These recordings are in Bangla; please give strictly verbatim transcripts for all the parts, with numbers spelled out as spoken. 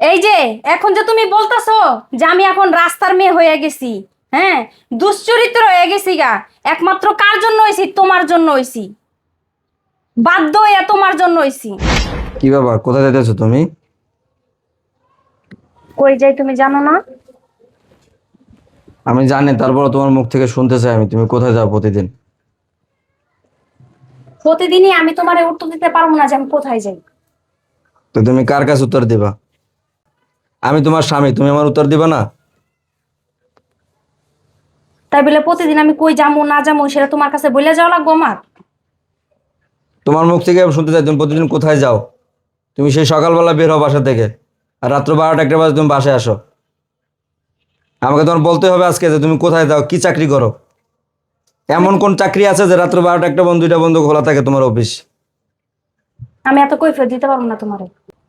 এই যে এখন যে তুমি বলতেছো যে আমি এখন রাস্তার মেয়ে হয়ে গেছি, হ্যাঁ, দুশ্চরিত্র হয়ে গেছি গা, একমাত্র কার জন্য হইছি? তোমার জন্য হইছি। বাধ্য হইয়া তোমার জন্য হইছি। কি ব্যাপার, কোথায় যাইতেছো তুমি? কই যাই তুমি জানো না? আমি জানি, তারপর তোমার মুখ থেকে শুনতে চাই আমি, তুমি কোথায় যাও প্রতিদিন? প্রতিদিনই আমি তোমারে উত্তর দিতে পারবো না যে আমি কোথায় যাই। তো তুমি কার কাছে উত্তর দিবা? আমি তোমার স্বামী, তুমি আমার উত্তর দিবা না? তাই বলে প্রতিদিন আমি কই যাবো না যাবো সেটা তোমার কাছে বলে যাওয়া লাগবো আমার? তোমার মুখ থেকে আমি শুনতে চাই তুমি প্রতিদিন কোথায় যাও। তুমি সেই সকালবেলা বের হও বাসা থেকে, আর রাত্র বারোটা একটা বাজে তুমি বাসায় আসো। আমাকে তোমার বলতে হবে আজকে যে তুমি কোথায় যাও, কি চাকরি করো। আমি এমন কোন চাকরি আছে যে রাত্র বারোটা একটা বন্ধ দুইটা বন্ধ খোলা থাকে তোমার অফিস? আমি এত কৈফিয়ত দিতে পারবো না তোমারে।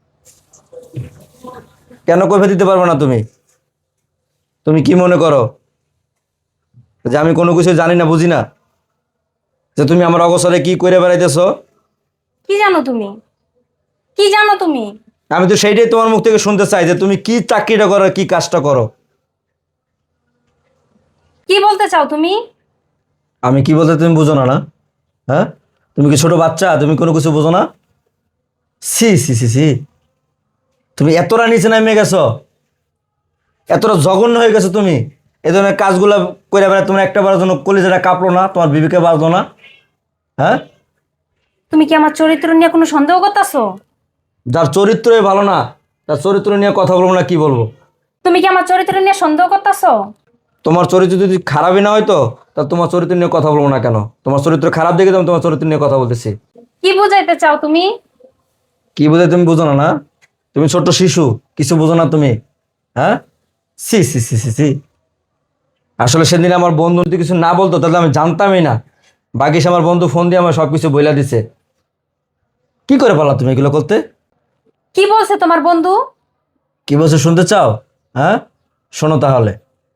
কেন কৈফিয়ত দিতে পারবে না তুমি? তুমি কি মনে করো যে আমি কোনো কিছু জানি না, বুঝি না? যে তুমি আমার অগোচরে কি করে বেড়াইতেছো? কি জানো তুমি? কি জানো তুমি? আমি তো সেইটাই তোমার মুখ থেকে শুনতে চাই যে তুমি কি চাকরিটা করো, কি কাজটা করো। কি বলতে চাও তুমি? আমি কি বলতে তুমি বুঝো না? না, হ্যাঁ, তুমি কি ছোট বাচ্চা? তুমি কোনো কিছু বুঝো না? সি সি সি সি, তুমি এতটা নিচে নামে গেছো, এতটা জঘন্য হয়ে গেছো তুমি। এই ধরনের কাজগুলো করে বেড়ায় তোমার একটা বারের জন্য কলিজাটা কাঁপলো না? তোমার বিবেকে বাজলো না? হ্যাঁ, তুমি কি আমার চরিত্র নিয়ে কোনো সন্দেহ করতেছো? যার চরিত্রই ভালো না তার চরিত্র নিয়ে কথা বলবো না কি বলবো? তুমি কি আমার চরিত্র নিয়ে সন্দেহ করতেছো? তোমার চরিত্র যদি খারাপই না হয়তো তা তোমার চরিত্র নিয়ে কথা বলবো না কেন? তোমার চরিত্র খারাপ দেখে তো আমি তোমার চরিত্র নিয়ে কথা বলতেছি। কি বুঝাইতে চাও তুমি? কি বোঝায় তুমি বুঝো না? না, তুমি ছোট্ট শিশু, কিছু বুঝো না তুমি? হ্যাঁ, C C C C C. আসলে সেদিন আমার বন্ধু যদি কিছু না বলতো তাহলে আমি জানতামই না। বাকিস আমার বন্ধু ফোন দিয়ে আমার সবকিছু বইলা দিছে। কি করে পারলা তুমি এগুলো করতে? কি বলছে তোমার বন্ধু? কি বলছে শুনতে চাও? হ্যাঁ, শোনো তাহলে।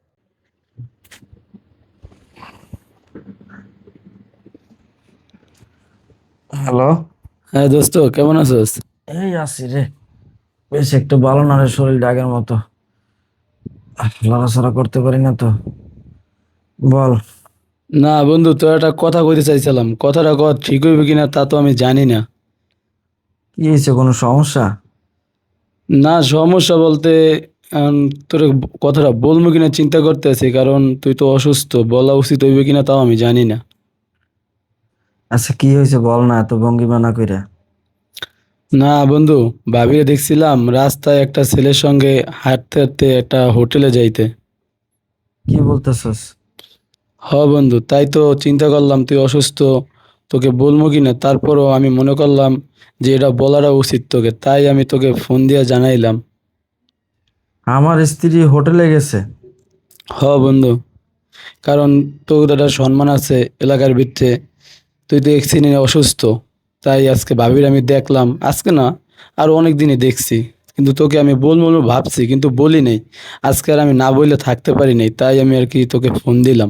হ্যালো। হ্যাঁ দোস্ত, কেমন আছোস? এই আছি রে, বেশ একটু ভালো না রে, শরীর আগের মতো লড়াচড়া করতে পারি না তো। বল। না বন্ধু, তোর একটা কথা কইতে চাইছিলাম, কথাটা কর ঠিক হইবে কিনা তা তো আমি জানি না। কি হয়েছে, কোনো সমস্যা? না সমস্যা বলতে আম, তোর কথাটা বলবো কিনা চিন্তা করতে আছি, কারণ তুই তো অসুস্থ, বলা উচিত হইবে কিনা তাও আমি জানি না। আচ্ছা কি হয়েছে বল না, এত ভঙ্গিমা না কইরা। না বন্ধু, ভাবিয়ে দেখছিলাম রাস্তায় একটা ছেলের সঙ্গে হাঁটতে হাঁটতে একটা হোটেলে যাইতে। কি বলতেছস? হ বন্ধু, তাই তো চিন্তা করলাম তুই অসুস্থ, তোকে বলবো কিনা, তারপরও আমি মনে করলাম যে এটা বলাটা উচিত তোকে, তাই আমি তোকে ফোন দিয়ে জানাইলাম। আমার স্ত্রী হোটেলে গেছে? হ বন্ধু, কারণ তোর একটা সম্মান আছে এলাকার ভিতরে, তুই তো এক্সিডেন্টে অসুস্থ, তাই আজকে ভাবির আমি দেখলাম, আজকে না আরো অনেক দিনই দেখছি, কিন্তু তোকে আমি বলবো বলবো ভাবছি কিন্তু বলি নাই। আজকে আর আমি না বললে থাকতে পারি নাই, তাই আমি আর কি তোকে ফোন দিলাম।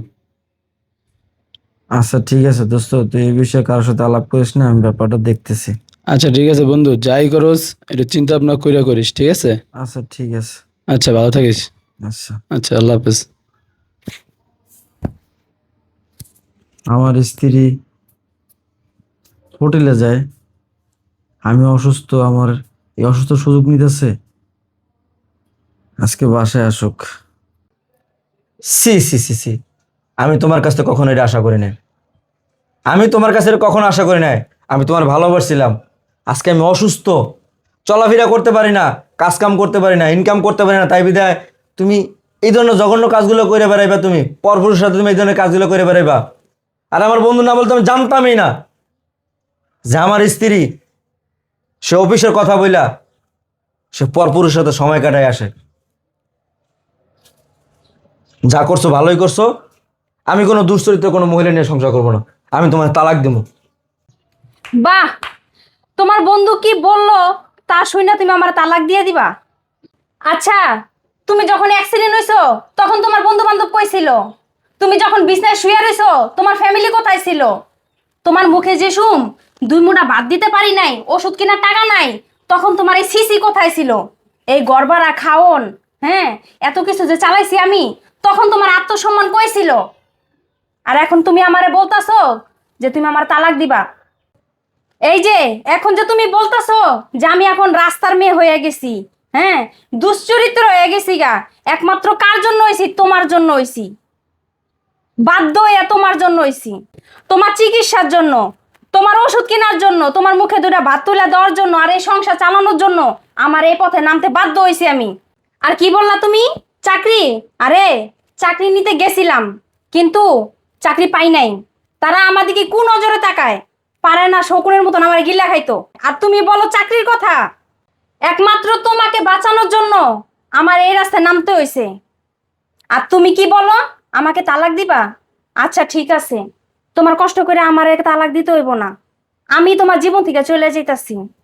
আচ্ছা ঠিক আছে দোস্ত, তুই এই বিষয়ে কারোর সাথে আলাপ করিস না, আমি ব্যাপারটা দেখতেছি। আচ্ছা ঠিক আছে বন্ধু, যাই করস একটু চিন্তা ভাবনা কইরা করিস, ঠিক আছে? আচ্ছা ঠিক আছে। আচ্ছা ভালো থাকিস। আচ্ছা। আচ্ছা, আল্লাহ হাফেজ। আমার স্ত্রী হোটেলে যায়, আমি অসুস্থ, আমার এই অসুস্থ সুযোগ নিতেছে। আজকে বাসায় আসুক। সি সি সি সি, আমি তোমার কাছ থেকে কখনো এটা আশা করি নাই। আমি তোমার কাছে এটা কখনো আশা করি নাই। আমি তোমার ভালোবাসছিলাম। আজকে আমি অসুস্থ, চলাফেরা করতে পারি না, কাজ কাম করতে পারি না, ইনকাম করতে পারি না, তাই বিধায় তুমি এই ধরনের জঘন্য কাজগুলো করে বেড়াইবা। তুমি পরপুরুষের সাথে তুমি এই ধরনের কাজগুলো করে বেড়াইবা। আর আমার বন্ধু না বলতে আমি জানতামই না যে আমার স্ত্রী সে অফিসের কথা বইলা সে পরপুরুষের সাথে সময় কাটায় আসে। যা করছো ভালোই করছো। আমি কোনো দুশ্চরিত্র কোনো মহিলা নিয়ে সংসার করবো না। আমি তোমার তালাক দেবো। বাহ, তোমার বন্ধু কি বললো তা শুনে তুমি আমার তালাক দিয়ে দিবা? আচ্ছা, তুমি যখন অ্যাক্সিডেন্ট হইছো তখন তোমার বন্ধু বান্ধব কই ছিল? তুমি যখন বিছনায় শুয়ে রইছো তোমার ফ্যামিলি কোথায় ছিল? তোমার মুখে যে শুম, দুই মুঠা ভাত দিতে পারি নাই, ওষুধ কেনার টাকা নাই, তখন তোমার এই সিসি কোথায় ছিল? এই গড়বাড়া খাওন, হ্যাঁ, এত কিছু যে চালাইছি আমি, তখন তোমার আত্মসম্মান কইছিল। আর এখন তুমি আমারে বলতাছো যে তুমি আমার তালাক দিবা। এই যে এখন যে তুমি বলতাছো যে আমি এখন রাস্তার মেয়ে হয়ে গেছি, হ্যাঁ, দুশ্চরিত্র হয়ে গেছি গা, একমাত্র কার জন্য হইছি? তোমার জন্য হইছি। বাধ্য হইয়া তোমার জন্য হইছি, তোমার চিকিৎসার জন্য, তোমার ওষুধ কেনার জন্য, তোমার মুখে দুটা ভাত তুলে দেওয়ার জন্য, আর এই সংসার চালানোর জন্য আমার এই পথে নামতে বাধ্য হইছি আমি। আর কি বললা তুমি? চাকরি? আরে চাকরি নিতে গেছিলাম, কিন্তু চাকরি পাই নাই। তারা আমাদিকে কোন নজরে তাকায়? পারে না শকুনের মতন আমার গিল্লা খাইতো। আর তুমি বলো চাকরির কথা? একমাত্র তোমাকে বাঁচানোর জন্য আমার এই রাস্তায় নামতে হইছে। আর তুমি কি বলো? আমাকে তালাক দিবা? আচ্ছা ঠিক আছে, তোমার কষ্ট করে আমার তালাক দিতে হইব না, আমি তোমার জীবন থেকে চলে যাইতাছি।